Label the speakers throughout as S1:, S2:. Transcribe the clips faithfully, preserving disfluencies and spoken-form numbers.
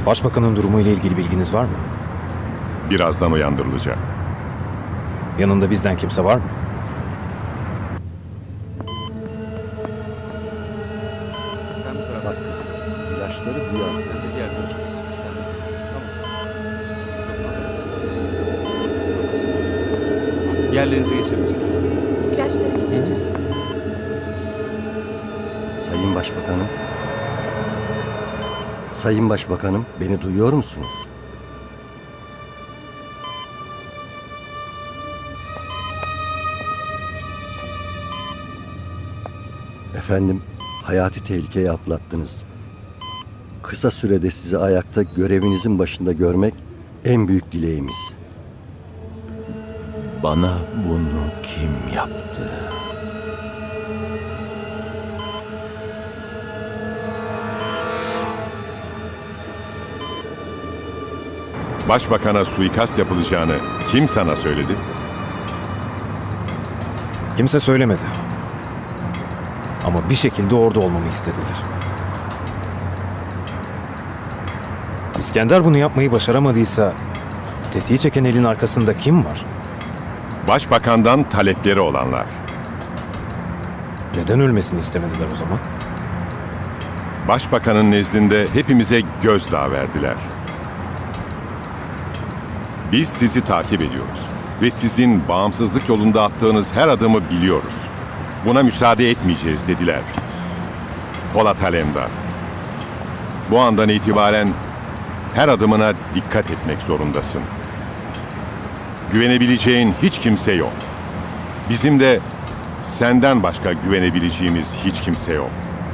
S1: Başbakanın durumu ile ilgili bilginiz var mı?
S2: Birazdan uyandırılacak.
S1: Yanında bizden kimse var mı?
S3: Sen bu tarafa
S4: Bak kızım, ilaçları bu yazdığında
S3: diğer tarafa.
S4: yazacaksınız.
S3: Tamam. Yerlerinize geçebilirsiniz.
S5: İlaçları getireceğim.
S4: Sayın Başbakanım. Sayın Başbakanım, beni duyuyor musunuz? Efendim, hayati tehlikeyi atlattınız. Kısa sürede sizi ayakta görevinizin başında görmek en büyük dileğimiz.
S6: Bana bunu kim yaptı?
S2: Başbakan'a suikast yapılacağını kim sana söyledi?
S1: Kimse söylemedi. Ama bir şekilde orada olmamı istediler. İskender bunu yapmayı başaramadıysa tetiği çeken elin arkasında kim var?
S2: Başbakandan talepleri olanlar.
S1: Neden ölmesini istemediler o zaman?
S2: Başbakanın nezdinde hepimize gözdağı verdiler. Biz sizi takip ediyoruz ve sizin bağımsızlık yolunda attığınız her adımı biliyoruz. Buna müsaade etmeyeceğiz dediler. Polat Alemdar. Bu andan itibaren her adımına dikkat etmek zorundasın. Güvenebileceğin hiç kimse yok. Bizim de senden başka güvenebileceğimiz hiç kimse yok.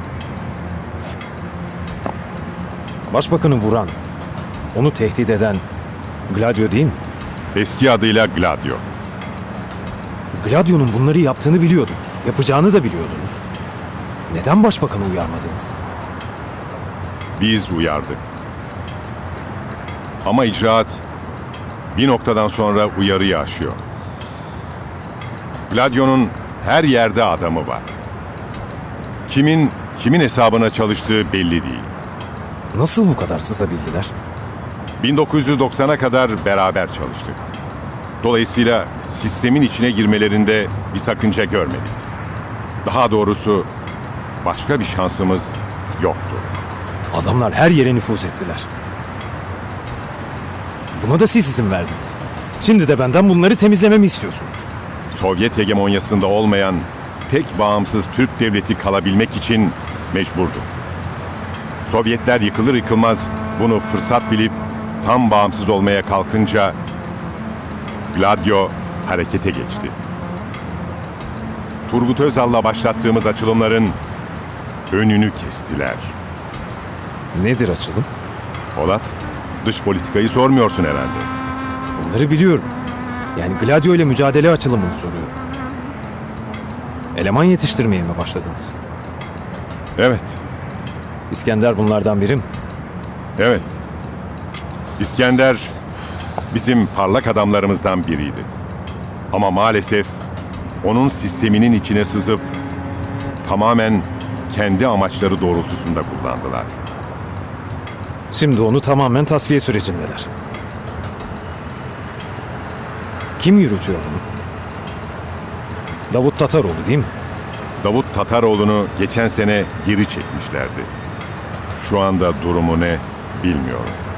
S1: Başbakanı vuran, onu tehdit eden Gladio değil mi?
S2: Eski adıyla Gladio.
S1: Gladio'nun bunları yaptığını biliyordunuz. Yapacağını da biliyordunuz. Neden başbakanı uyarmadınız?
S2: Biz uyardık. Ama icraat bir noktadan sonra uyarıyı aşıyor. Gladio'nun her yerde adamı var. Kimin kimin hesabına çalıştığı belli değil.
S1: Nasıl bu kadar sızabildiler?
S2: bin dokuz yüz doksana kadar beraber çalıştık. Dolayısıyla sistemin içine girmelerinde bir sakınca görmedik. Daha doğrusu başka bir şansımız yoktu.
S1: Adamlar her yere nüfuz ettiler. Buna da siz izin verdiniz. Şimdi de benden bunları temizlememi istiyorsunuz.
S2: Sovyet hegemonyasında olmayan tek bağımsız Türk devleti kalabilmek için mecburdu. Sovyetler yıkılır yıkılmaz bunu fırsat bilip tam bağımsız olmaya kalkınca Gladio harekete geçti. Turgut Özal'la başlattığımız açılımların önünü kestiler.
S1: Nedir açılım?
S2: Polat, dış politikayı sormuyorsun herhalde.
S1: Bunları biliyorum. Yani Gladio ile mücadele açılımını soruyorum. Eleman yetiştirmeye mi başladınız?
S2: Evet,
S1: İskender bunlardan biri mi?
S2: evet. İskender bizim parlak adamlarımızdan biriydi. Ama maalesef onun sisteminin içine sızıp tamamen kendi amaçları doğrultusunda kullandılar.
S1: Şimdi onu tamamen tasfiye sürecindeler. Kim yürütüyor bunu? Davut Tataroğlu değil mi?
S2: Davut Tataroğlu'nu geçen sene geri çekmişlerdi. Şu anda durumu ne bilmiyorum.